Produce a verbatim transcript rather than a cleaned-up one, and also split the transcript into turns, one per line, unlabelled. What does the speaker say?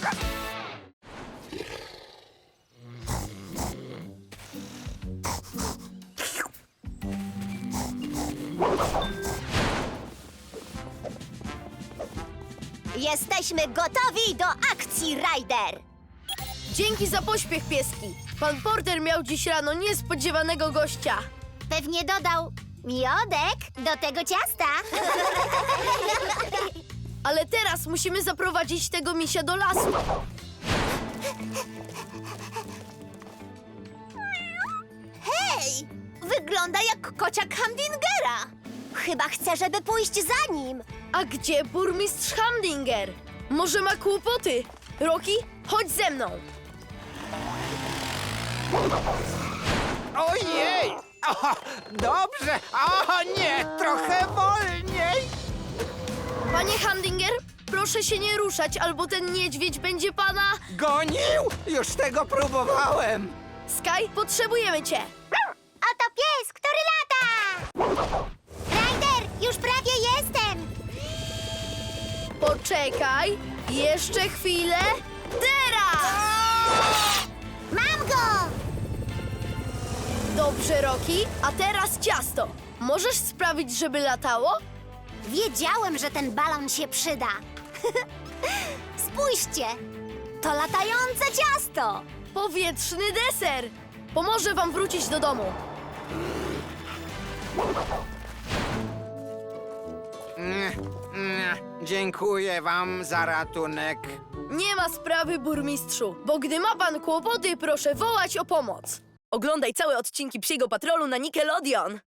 Jesteśmy gotowi do akcji, Ryder!
Dzięki za pośpiech, pieski. Pan Porter miał dziś rano niespodziewanego gościa.
Pewnie dodał miodek do tego ciasta.
Ale teraz musimy zaprowadzić tego misia do lasu.
Hej! Wygląda jak kociak Hamdingera. Chyba chce, żeby pójść za nim.
A gdzie burmistrz Hamdinger? Może ma kłopoty? Rocky, chodź ze mną.
Ojej! O, dobrze! O nie, trochę wolniej!
Panie Hamdinger, proszę się nie ruszać, albo ten niedźwiedź będzie pana...
Gonił? Już tego próbowałem!
Sky, potrzebujemy cię.
Oto pies, który lata! Ryder, już prawie jestem!
Poczekaj, jeszcze chwilę. Teraz!
Mam go!
Dobrze, Rocky, a teraz ciasto. Możesz sprawić, żeby latało?
Wiedziałem, że ten balon się przyda. Spójrzcie! To latające ciasto!
Powietrzny deser. Pomoże wam wrócić do domu.
Mm, mm, Dziękuję wam za ratunek.
Nie ma sprawy, burmistrzu, bo gdy ma pan kłopoty, proszę wołać o pomoc.
Oglądaj całe odcinki Psiego Patrolu na Nickelodeon.